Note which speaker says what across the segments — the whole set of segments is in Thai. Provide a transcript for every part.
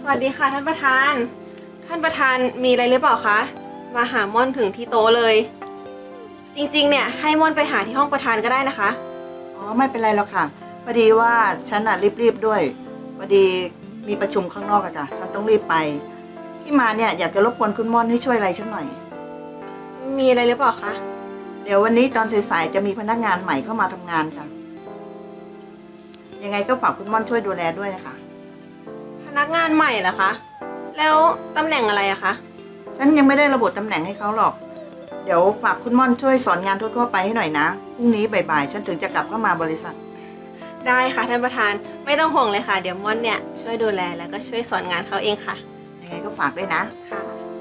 Speaker 1: สวัสดีค่ะท่านประธาน ท่านประธานมีอะไรหรือเปล่าคะ มาหาม่อนถึงที่โต๊ะเลย จริงๆเนี่ยให้ม่อนไปหาที่ห้องประธานก็ได้นะคะ
Speaker 2: อ๋อไม่เป็นไรหรอกค่ะพอดีว่าฉันรีบด้วยพอดีมีประชุมข้างนอกอะจ้ะฉันต้องรีบไปที่มาเนี่ยอยากจะรบกวนคุณม่อนให้ช่วยอะไรฉันหน่อย
Speaker 1: มีอะไรหรือเปล่าคะ
Speaker 2: เดี๋ยววันนี้ตอนสายๆจะมีพนักงานใหม่เข้ามาทำงานค่ะยังไงก็ฝากคุณม่อนช่วยดูแลด้วยนะคะ
Speaker 1: พนักงานใหม่เหรอคะ แล้วตำแหน่งอะไรอะคะ
Speaker 2: ฉันยังไม่ได้ระบุตำแหน่งให้เขาหรอกเดี๋ยวฝากคุณม่อนช่วยสอนงานทั่วๆไปให้หน่อยนะพรุ่งนี้บ่ายๆฉันถึงจะกลับเข้ามาบริษัท
Speaker 1: ได้ค่ะท่านประธานไม่ต้องห่วงเลยค่ะ เดี๋ยวม่อนเนี่ยช่วยดูแลแล้วก็ช่วยสอนงานเขาเองค่ะ
Speaker 2: ยังไงก็ฝากด้วยนะ
Speaker 1: ค่ะ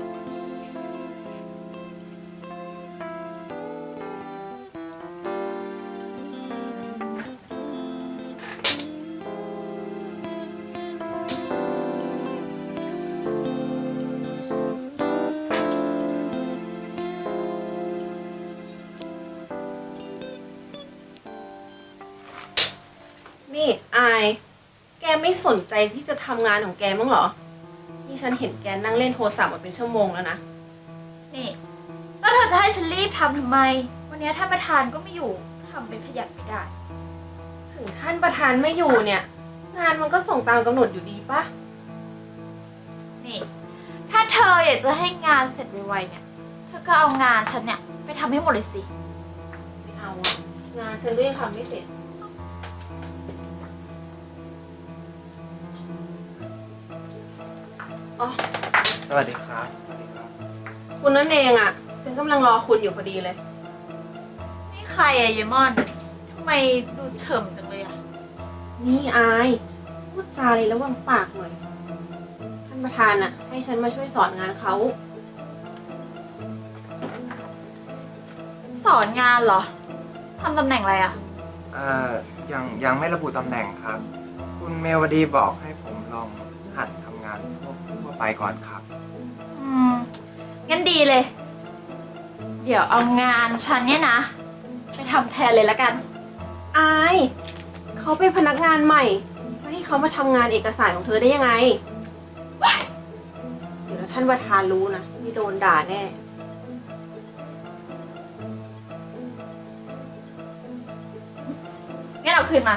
Speaker 1: นี่อาย แกไม่สนใจที่จะทำงานของแกมั้างเหรอ นี่ฉันเห็นแกนั่งเล่นโทรศัพท์มาเป็นชั่วโมงแล้วนะ
Speaker 3: นี่แล้วเธอจะให้ฉันรีบทำทำไม วันนี้ท่านประธานก็ไม่อยู่ทำเป็นขยันไม่ได้
Speaker 1: ถึงท่านประธานไม่อยู่เนี่ย งานมันก็ส่งตามกำหนดอยู่ดีปะ
Speaker 3: นี่ ถ้าเธออยากจะให้งานเสร็จไวๆเนี่ย เธอก็เอางานฉันเนี่ยไปทำให้หมดเลยสิ
Speaker 1: ไม่เอาอะงานฉันก็ยังทำไม่เสร็จ อ๋อ
Speaker 4: สวัสดีครับ สวัสดีครับ
Speaker 1: คุณนั่นเองอะฉันกำลังรอคุณอยู่พอดีเลย
Speaker 3: นี่ใครอะเยมอนทำไมดูเฉิมจังเลยอะ
Speaker 1: นี่อาย พูดจาเลยระวังปากหน่อย ท่านประธานอะให้ฉันมาช่วยสอนงานเขา
Speaker 3: สอนงานเหรอทำตำแหน่งอะไรอะ
Speaker 4: ยังไม่ระบุตำแหน่งครับ คุณเมวดีบอกให้ผมลองหัดทำงานทั่วไปก่อนครับ
Speaker 3: งั้นดีเลย เดี๋ยวเอางานฉันเนี่ยนะ ไปทำแทนเลยละกัน
Speaker 1: อาย เขาเป็นพนักงานใหม่ จะให้เขามาทำงานเอกสารของเธอได้ยังไง เดี๋ยวท่านประธานรู้นะนี่โดนด่าแน่
Speaker 3: งั้นเอาคืนมา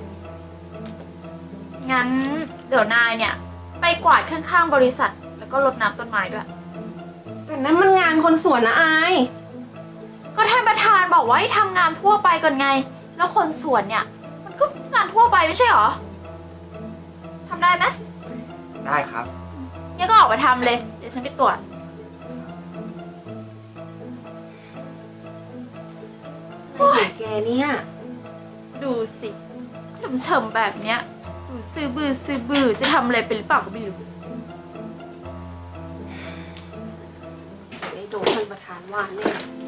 Speaker 3: งั้นเดี๋ยวนายเนี่ย ไปกวาดข้างๆบริษัท แล้วก็รดน้ำต้นไม้ด้วย
Speaker 1: แต่นั้นมันงานคนสวนนะอาย
Speaker 3: ก็ท่านประธานบอกว่าให้ทำงานทั่วไปก่อนไง แล้วคนสวนเนี่ย มันก็งานทั่วไปไม่ใช่หรอทำได้ไหม
Speaker 4: ได้ครับ
Speaker 3: งั้นก็ออกไปทำเลย เดี๋ยวฉันไปตรวจ
Speaker 1: อะไรของแกเนี่ย
Speaker 3: ดูสิเฉมๆแบบเนี้ย ดูซื้อบือจะทำอะไรเป็นหรือเปล่าก็ไม่รู้
Speaker 1: ได้โดนท่านประธานว่าแน่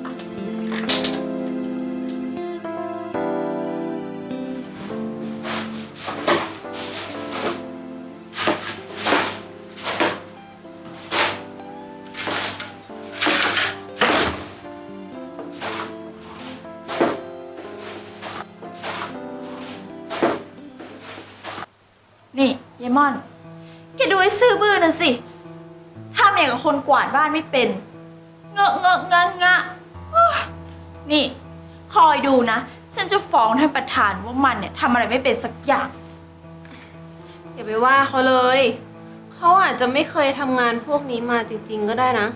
Speaker 3: นี่ยายม่อน แกดูไอ้ซื่อบื้อนั่นสิทำอย่างกับคนกวาดบ้านไม่เป็น เงอะเงอะงะงะโอ๊ยนี่ คอยดูนะ ฉันจะฟ้องท่านประธานว่ามันเนี่ยทำอะไรไม่เป็นสักอย่าง
Speaker 1: อย่าไปว่าเขาเลย เขาอาจจะไม่เคยทำงานพวกนี้มาจริงๆก็ได้นะ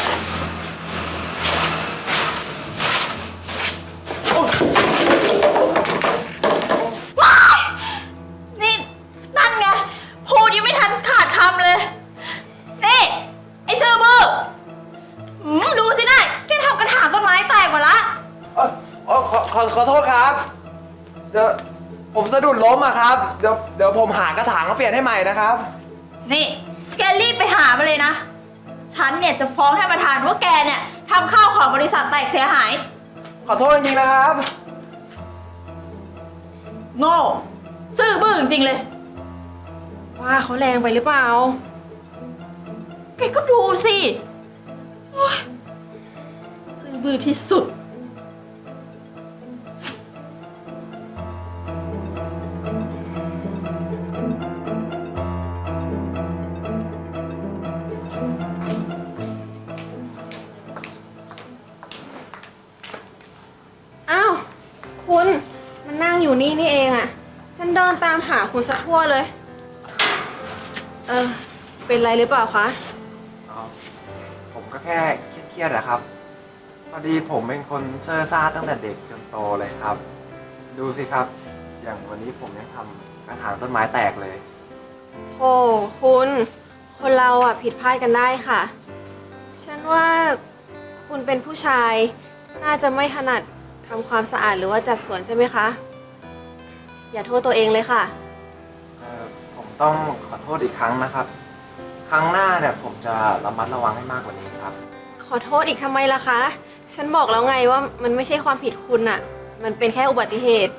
Speaker 3: นี่นั่นไง พูดยังไม่ทันขาดคำเลย นี่ ไอ้ซื่อบื้อดูสินายแกทำกระถางต้นไม้แตกหมดละ
Speaker 4: ขอโทษครับ เดี๋ยวผมสะดุดล้มอะครับ เดี๋ยวผมหากระถางมาเปลี่ยนให้ใหม่นะครับ
Speaker 3: นี่ แกรีบไปหามาเลยนะ ฉันเนี่ยจะฟ้องท่านประธานว่าแกเนี่ยทำข้าวของบริษัทแตกเสียหาย
Speaker 4: ขอโทษจริงๆนะครับ
Speaker 3: โง่ ซื่อบื้อจริงๆเลย
Speaker 1: ว่าเขาแรงไปหรือเปล่า
Speaker 3: แกก็ดูสิโอ๊ยซื่อบื้อที่สุด
Speaker 1: นตามหาคุณสักทั่วเลย เป็นไรหรือเปล่าคะ
Speaker 4: ผมก็แค่เครียดๆอะครับ พอดีผมเป็นคนเซ่อซ่าตั้งแต่เด็กจนโตเลยครับ ดูสิครับ อย่างวันนี้ผมยังทำกระถางต้นไม้แตกเลย
Speaker 1: โธ่คุณ คนเราอ่ะผิดพลาดกันได้ค่ะ ฉันว่าคุณเป็นผู้ชาย น่าจะไม่ถนัดทำความสะอาดหรือว่าจัดสวนใช่ไหมคะ อย่าโทษตัวเองเลยค่ะ
Speaker 4: ผมต้องขอโทษอีกครั้งนะครับ ครั้งหน้าเนี่ยผมจะระมัดระวังให้มากกว่านี้ครับ
Speaker 1: ขอโทษอีกทำไมล่ะคะ ฉันบอกแล้วไงว่ามันไม่ใช่ความผิดคุณอะมันเป็นแค่อุบัติเหตุ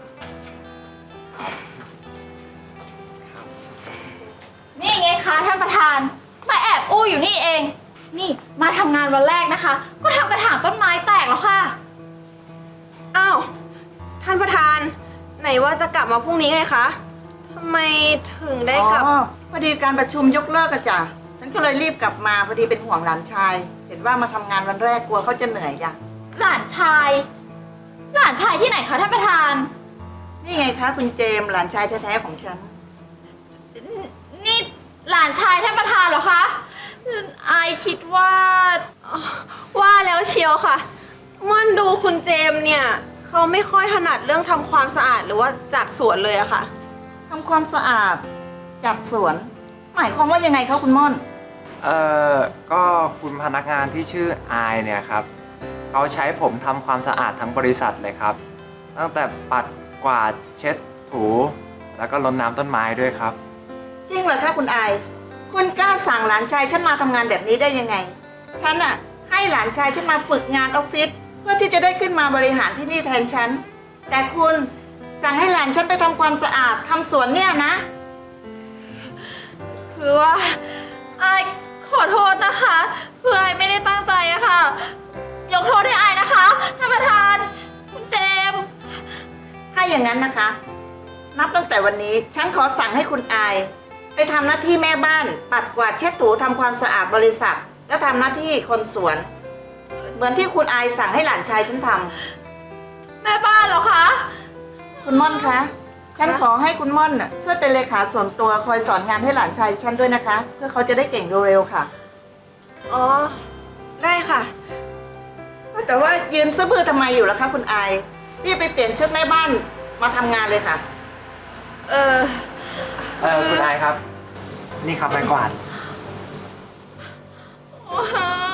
Speaker 3: นี่ไงคะท่านประธาน มาแอบอู้อยู่นี่เอง นี่มาทำงานวันแรกนะคะ ก็ทำกระถางต้นไม้แตกแล้วค่ะ
Speaker 1: อ้าว ท่านประธาน ไหนว่าจะกลับมาพรุ่งนี้ไงคะทำไมถึงได้กลับ
Speaker 2: อ๋อพอดีการประชุมยกเลิกอะจ้ะฉันก็เลยรีบกลับมาพอดีเป็นห่วงหลานชาย เห็นว่ามาทำงานวันแรกกลัวเขาจะเหนื่อยจ้ะ
Speaker 3: หลานชาย หลานชายที่ไหนคะท่านประธาน
Speaker 2: นี่ไงคะคุณเจมส์หลานชายแท้ๆของฉัน
Speaker 3: นี่หลานชายท่านประธานเหรอคะอายคิดว่า
Speaker 1: ว่าแล้วเชียวค่ะม่อนดูคุณเจมส์เนี่ยเขาไม่ค่อยถนัดเรื่องทำความสะอาดหรือว่าจัดสวนเลยอะค่ะ
Speaker 2: ทำความสะอาดจัดสวน หมายความว่ายังไงคะคุณม่อน
Speaker 4: ก็คุณพนักงานที่ชื่ออายเนี่ยครับเขาใช้ผมทำความสะอาดทั้งบริษัทเลยครับ ตั้งแต่ปัดกวาดเช็ดถู แล้วก็รดน้ำต้นไม้ด้วยครับ
Speaker 2: จริงเหรอคะคุณอาย คุณกล้าสั่งหลานชายฉันมาทำงานแบบนี้ได้ยังไง ฉันอะให้หลานชายฉันมาฝึกงานออฟฟิศเพื่อที่จะได้ขึ้นมาบริหารที่นี่แทนฉัน แต่คุณสั่งให้หลานฉันไปทำความสะอาดทำสวนเนี่ยนะ
Speaker 3: คือว่าอายขอโทษนะคะเพื่ออายไม่ได้ตั้งใจอะค่ะ ยกโทษให้อายนะคะท่านประธาน คุณเจมส์
Speaker 2: ถ้าอย่างนั้นนะคะ นับตั้งแต่วันนี้ฉันขอสั่งให้คุณอาย ไปทำหน้าที่แม่บ้าน ปัดกวาดเช็ดถูทำความสะอาดบริษัท แล้วทำหน้าที่คนสวน เหมือนที่คุณอายสั่งให้หลานชายฉันทำ
Speaker 3: แม่บ้านเหรอคะ
Speaker 2: คุณม่อนคะ ฉันขอให้คุณม่อนน่ะช่วยเป็นเลขาส่วนตัวคอยสอนงานให้หลานชายฉันด้วยนะคะ เพื่อเขาจะได้เก่งเร็วๆค่ะ
Speaker 1: อ๋อ ได้ค่ะ
Speaker 2: แต่ว่ายืนซื่อบื้อทำไมอยู่ล่ะคะคุณอายรีบไปเปลี่ยนชุดแม่บ้านมาทำงานเลยค่ะ
Speaker 4: คุณอายครับ นี่ครับไม้กวาด
Speaker 3: โอ้